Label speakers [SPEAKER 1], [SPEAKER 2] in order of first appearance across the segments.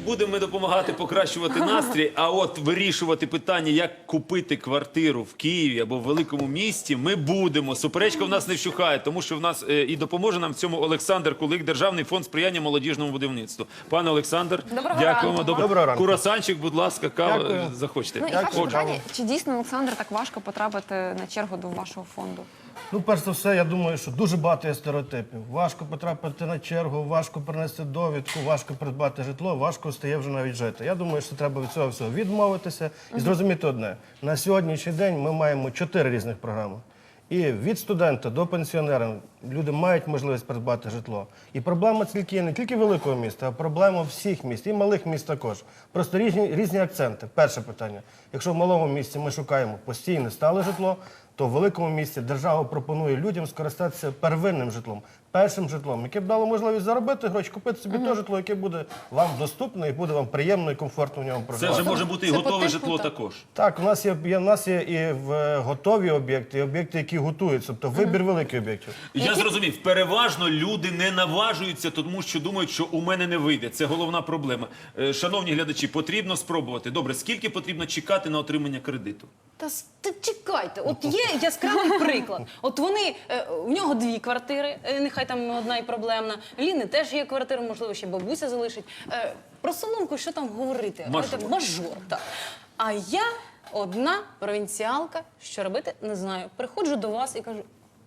[SPEAKER 1] будемо ми допомагати покращувати настрій, а от вирішувати питання, як купити квартиру в Києві або в великому місті, ми будемо. Суперечка в нас не вщухає, тому що в нас і допоможе нам в цьому Олександр Кулик, Державний фонд сприяння молодіжному будівництву. Пане Олександр, дякуємо.
[SPEAKER 2] Доброго ранку.
[SPEAKER 1] Курасанчик, будь ласка, каву
[SPEAKER 2] Дякую.
[SPEAKER 1] захочете.
[SPEAKER 3] Ну і перше питання, чи дійсно, Олександр, так важко потрапити на чергу до вашого фонду?
[SPEAKER 2] Ну, перш за все, я думаю, що дуже багато є стереотипів. Важко потрапити на чергу, важко принести довідку, важко придбати житло, важко стає вже навіть жити. Я думаю, що треба від цього всього відмовитися і зрозуміти одне. На сьогоднішній день ми маємо 4 різних програми. І від студента до пенсіонера люди мають можливість придбати житло. І проблема тільки не тільки великого міста, а проблема всіх міст, і малих міст також. Просто різні акценти. Перше питання. Якщо в малому місті ми шукаємо постійне стале житло, то в великому місті держава пропонує людям скористатися первинним житлом, першим житлом, яке б дало можливість заробити гроші, купити собі те житло, яке буде вам доступне і буде вам приємно і комфортно в ньому
[SPEAKER 1] Це
[SPEAKER 2] проживати.
[SPEAKER 1] вже може бути і
[SPEAKER 3] Це
[SPEAKER 1] готове
[SPEAKER 3] по типу,
[SPEAKER 1] житло
[SPEAKER 3] так.
[SPEAKER 1] також.
[SPEAKER 2] Так, у нас є і готові об'єкти, і об'єкти, які готуються, тобто вибір великих об'єктів.
[SPEAKER 1] Я зрозумів, переважно люди не наважуються, тому що думають, що у мене не вийде. Це головна проблема. Шановні глядачі, потрібно спробувати. Добре, скільки потрібно чекати на отримання кредиту?
[SPEAKER 4] Та чекайте, от є яскравий приклад. От вони, в нього 2 квартири, нехай там одна і проблемна. Ліни теж є квартира, можливо, ще бабуся залишить. Про Соломку що там говорити?
[SPEAKER 1] Мажор.
[SPEAKER 4] Мажор, так. А я одна провінціалка, що робити, не знаю. Приходжу до вас і кажу,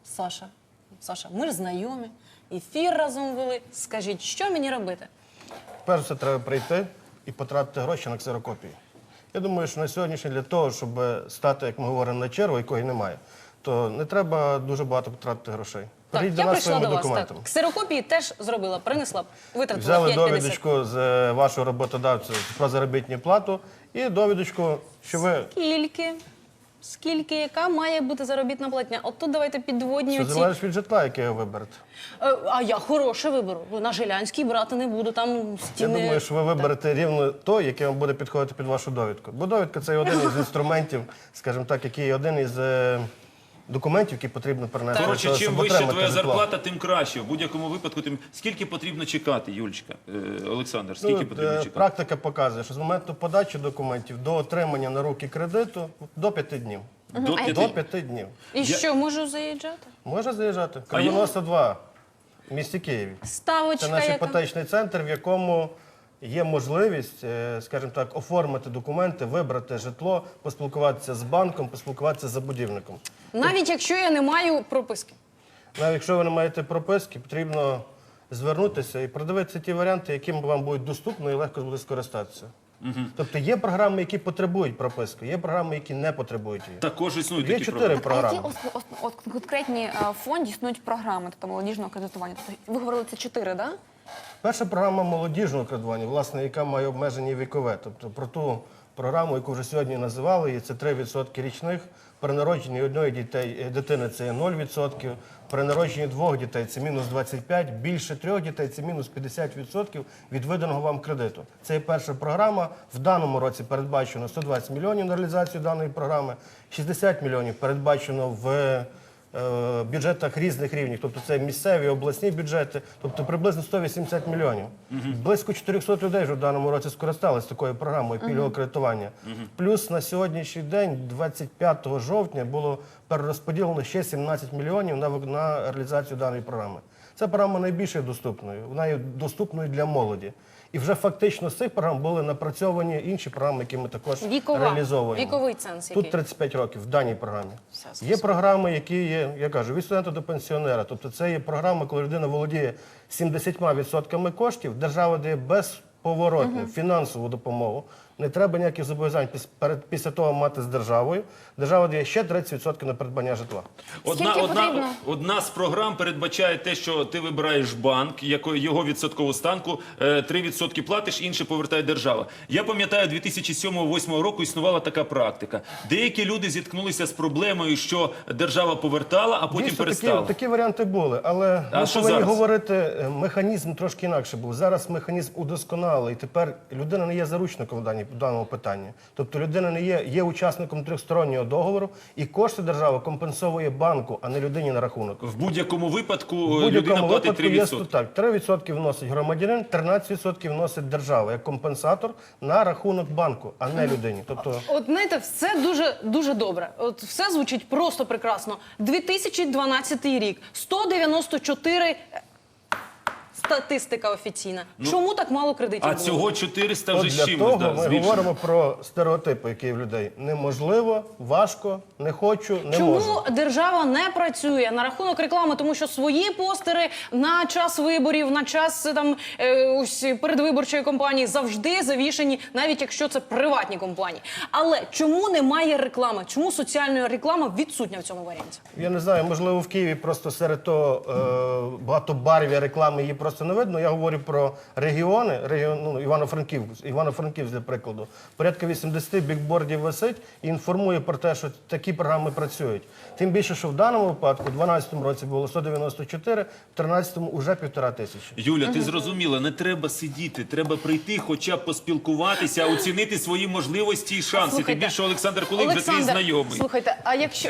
[SPEAKER 4] Саша, ми ж знайомі, ефір разом вели, скажіть, що мені робити?
[SPEAKER 2] Перш все треба прийти і потратити гроші на ксерокопії. Я думаю, що на сьогоднішній для того, щоб стати, як ми говоримо, на чергу, якої немає, то не треба дуже багато потратити грошей.
[SPEAKER 4] Так,
[SPEAKER 2] Прийдіть
[SPEAKER 4] я
[SPEAKER 2] до нас
[SPEAKER 4] прийшла
[SPEAKER 2] своїми
[SPEAKER 4] до вас,
[SPEAKER 2] документами.
[SPEAKER 4] так. Ксерокопії теж зробила, принесла, витратила
[SPEAKER 2] Взяли
[SPEAKER 4] 5,50.
[SPEAKER 2] довідочку з вашого роботодавця про заробітну плату і довідочку, що ви
[SPEAKER 4] Скільки, яка має бути заробітна платня? От тут давайте підводні
[SPEAKER 2] все
[SPEAKER 4] оці.
[SPEAKER 2] залежить від житла, яке ви виберете.
[SPEAKER 4] А я хороше виберу. На Жилянській брати не буду, там
[SPEAKER 2] Я
[SPEAKER 4] стіни.
[SPEAKER 2] думаю, що ви виберете рівно то, яке вам буде підходити під вашу довідку. Бо довідка – це один із інструментів, скажімо так, який один із документів, які потрібно перенести. для
[SPEAKER 1] Коротше,
[SPEAKER 2] того,
[SPEAKER 1] чим
[SPEAKER 2] щоб
[SPEAKER 1] вища
[SPEAKER 2] отримати
[SPEAKER 1] твоя
[SPEAKER 2] житло.
[SPEAKER 1] зарплата, тим краще. В будь-якому випадку, тим... Скільки потрібно чекати, Юлічка? Олександр, скільки потрібно чекати?
[SPEAKER 2] Практика показує, що з моменту подачі документів до отримання на руки кредиту до 5 днів.
[SPEAKER 1] До
[SPEAKER 2] До
[SPEAKER 1] 5.
[SPEAKER 2] 5 днів.
[SPEAKER 4] І що, можу заїжджати?
[SPEAKER 2] Може заїжджати. Кривоноса 2 в місті Києві. Це
[SPEAKER 4] Ставочка
[SPEAKER 2] наш
[SPEAKER 4] яка?
[SPEAKER 2] іпотечний центр, в якому є можливість, скажімо так, оформити документи, вибрати житло, поспілкуватися з банком, поспілкуватися з забудівником.
[SPEAKER 4] Навіть якщо я не маю прописки.
[SPEAKER 2] Навіть якщо ви не маєте прописки, потрібно звернутися і продивитися ті варіанти, яким вам будуть доступно і легко буде скористатися. Тобто є програми, які потребують прописки, є програми, які не потребують її.
[SPEAKER 1] Також існують
[SPEAKER 2] Є
[SPEAKER 1] такі
[SPEAKER 2] 4
[SPEAKER 1] програми.
[SPEAKER 3] А які
[SPEAKER 2] програми.
[SPEAKER 3] от конкретні в фонді існують програми, тобто молодіжного кредитування? Тобто, ви говорили, це 4, так? Да?
[SPEAKER 2] Перша програма молодіжного кредитування, власне, яка має обмеження вікове. Тобто про ту програму, яку вже сьогодні називали, і це 3% річних. При народженні одної дитини це є 0%, при народженні 2 дітей це мінус 25%, більше 3 дітей це мінус 50% від виданого вам кредиту. Це є перша програма. В даному році передбачено 120 мільйонів на реалізацію даної програми, 60 мільйонів передбачено в бюджетах різних рівнів, тобто це місцеві, обласні бюджети, тобто приблизно 180 мільйонів. Близько 400 людей вже в даному році скористалися такою програмою пільгового кредитування. Плюс на сьогоднішній день, 25 жовтня, було перерозподілено ще 17 мільйонів на реалізацію даної програми. Ця програма найбільш доступною, вона є доступною для молоді. І вже фактично з цих програм були напрацьовані інші програми, які ми також реалізовуємо.
[SPEAKER 4] Віковий ценз який?
[SPEAKER 2] Тут 35 років в даній програмі.
[SPEAKER 4] Все,
[SPEAKER 2] Є програми, які є, я кажу, від студента до пенсіонера. Тобто це є програма, коли людина володіє 70% коштів, держава дає безповоротну фінансову допомогу. Не треба ніяких зобов'язань після того мати з державою. Держава дає ще 30% на придбання житла.
[SPEAKER 1] Одна з програм передбачає те, що ти вибираєш банк, його відсоткову ставку, 3% платиш, інше повертає держава. Я пам'ятаю, 2007-2008 року існувала така практика. Деякі люди зіткнулися з проблемою, що держава повертала, а потім
[SPEAKER 2] Дійсно,
[SPEAKER 1] перестала.
[SPEAKER 2] такі варіанти були, але ми
[SPEAKER 1] що
[SPEAKER 2] повинні
[SPEAKER 1] зараз?
[SPEAKER 2] говорити, механізм трошки інакше був. Зараз механізм удосконалий. дозволили, і тепер людина не є заручником в даному питанні. Тобто людина не є учасником трьохстороннього договору, і кошти держава компенсовує банку, а не людині на рахунок.
[SPEAKER 1] В будь-якому випадку
[SPEAKER 2] В
[SPEAKER 1] людина
[SPEAKER 2] будь-якому
[SPEAKER 1] платить
[SPEAKER 2] випадку є
[SPEAKER 1] 3%.
[SPEAKER 2] так. 3% вносить громадянин, 13% вносить держава як компенсатор на рахунок банку, а не людині. Тобто
[SPEAKER 4] От знаєте, все дуже добре. От все звучить просто прекрасно. 2012 рік, 194 статистика офіційна. Чому так мало кредитів
[SPEAKER 1] А
[SPEAKER 4] було?
[SPEAKER 1] цього 400
[SPEAKER 2] От
[SPEAKER 1] вже з
[SPEAKER 2] для
[SPEAKER 1] чимось.
[SPEAKER 2] того
[SPEAKER 1] да,
[SPEAKER 2] ми
[SPEAKER 1] збільшено.
[SPEAKER 2] говоримо про стереотипи, які є в людей. Неможливо, важко, не хочу, не можу.
[SPEAKER 4] Чому держава не працює на рахунок реклами? Тому що свої постери на час виборів, на час там ось передвиборчої кампанії завжди завішені, навіть якщо це приватні компанії. Але чому немає реклами? Чому соціальна реклама відсутня в цьому варіанті?
[SPEAKER 2] Я не знаю, можливо, в Києві просто серед того багатобарв'я реклами її просто не видно. Я говорю про регіони, Івано-Франківськ, для прикладу. Порядка 80 бікбордів висить і інформує про те, що такі програми працюють. Тим більше, що в даному випадку, у 2012 році було 194, в 2013 вже 1500.
[SPEAKER 1] Юля, ти зрозуміла, не треба сидіти, треба прийти, хоча б поспілкуватися, оцінити свої можливості і шанси. Тим
[SPEAKER 4] Слухайте,
[SPEAKER 1] більше Олександр Кулик вже твій
[SPEAKER 4] Олександр,
[SPEAKER 1] знайомий.
[SPEAKER 4] слухайте, а якщо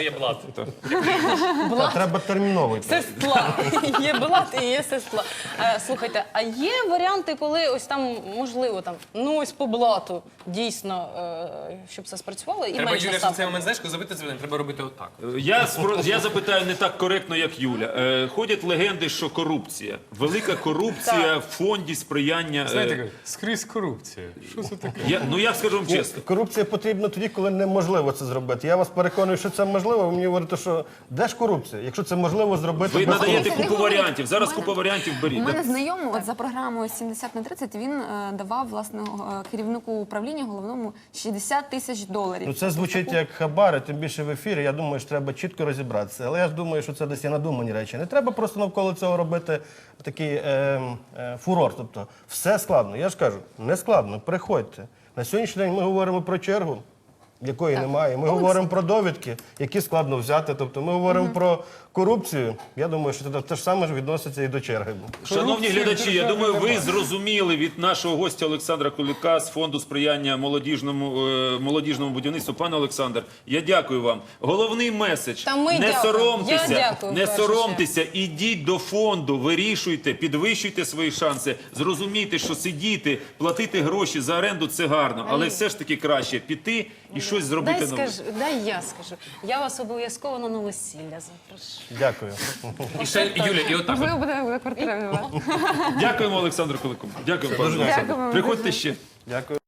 [SPEAKER 2] Та треба терміново йти.
[SPEAKER 4] сестла, є блат і є сестла. Слухайте, а є варіанти, коли ось там можливо там, ну ось по блату дійсно, щоб це спрацювало і
[SPEAKER 5] Треба,
[SPEAKER 4] менше
[SPEAKER 5] Юля, що
[SPEAKER 4] ставка?
[SPEAKER 5] цей момент, знаєш, коли забити дзвінок, треба робити отак.
[SPEAKER 1] Я запитаю не так коректно, як Юля. Ходять легенди, що корупція. Велика корупція в фонді сприяння.
[SPEAKER 5] Знаєте, скрізь корупція. Що це таке?
[SPEAKER 1] Ну я скажу вам чесно.
[SPEAKER 2] Корупція потрібна тоді, коли неможливо це зробити. Я вас переконую, що це можливо. Ви мені говорите, що де ж корупція? Якщо це можливо зробити
[SPEAKER 1] Ви
[SPEAKER 2] без
[SPEAKER 1] надаєте
[SPEAKER 2] корупції.
[SPEAKER 1] купу варіантів. Зараз купа варіантів
[SPEAKER 3] У
[SPEAKER 1] беріть.
[SPEAKER 3] мене знайомий от за програмою 70/30 він давав власне керівнику управління головному 60 тисяч доларів.
[SPEAKER 2] Ну це звучить як хабари, тим більше в ефірі. Я думаю, що треба чітко розібратися. Але я ж думаю, що це десь є надумані речі. Не треба просто навколо цього робити такий фурор. Тобто все складно. Я ж кажу, не складно. Приходьте. На сьогоднішній день ми говоримо про чергу, якої немає. Ми говоримо про довідки, які складно взяти. Тобто ми говоримо про корупцію. Я думаю, що це те ж саме ж відноситься і до черги.
[SPEAKER 1] Шановні глядачі, я думаю, ви зрозуміли від нашого гостя Олександра Кулика з фонду сприяння молодіжному будівництву. Пане Олександр, я дякую вам. Головний меседж:
[SPEAKER 4] Та ми
[SPEAKER 1] не
[SPEAKER 4] дякуємо.
[SPEAKER 1] соромтеся,
[SPEAKER 4] Я дякую,
[SPEAKER 1] не
[SPEAKER 4] в першу
[SPEAKER 1] соромтеся, ідіть до фонду, вирішуйте, підвищуйте свої шанси, зрозумійте, що сидіти, платити гроші за оренду – це гарно, але все ж таки краще піти і щось зробити нове.
[SPEAKER 4] Дай я скажу. Я вас обов'язково на весілля запрошу.
[SPEAKER 2] Дякую.
[SPEAKER 5] І ще, Юля, і отак.
[SPEAKER 3] Можливо, буде квартира.
[SPEAKER 1] Дякуємо Олександру Кулику. Дякуємо, пане Олександр.
[SPEAKER 3] Дякуємо.
[SPEAKER 1] Приходьте ще.
[SPEAKER 2] Дякую.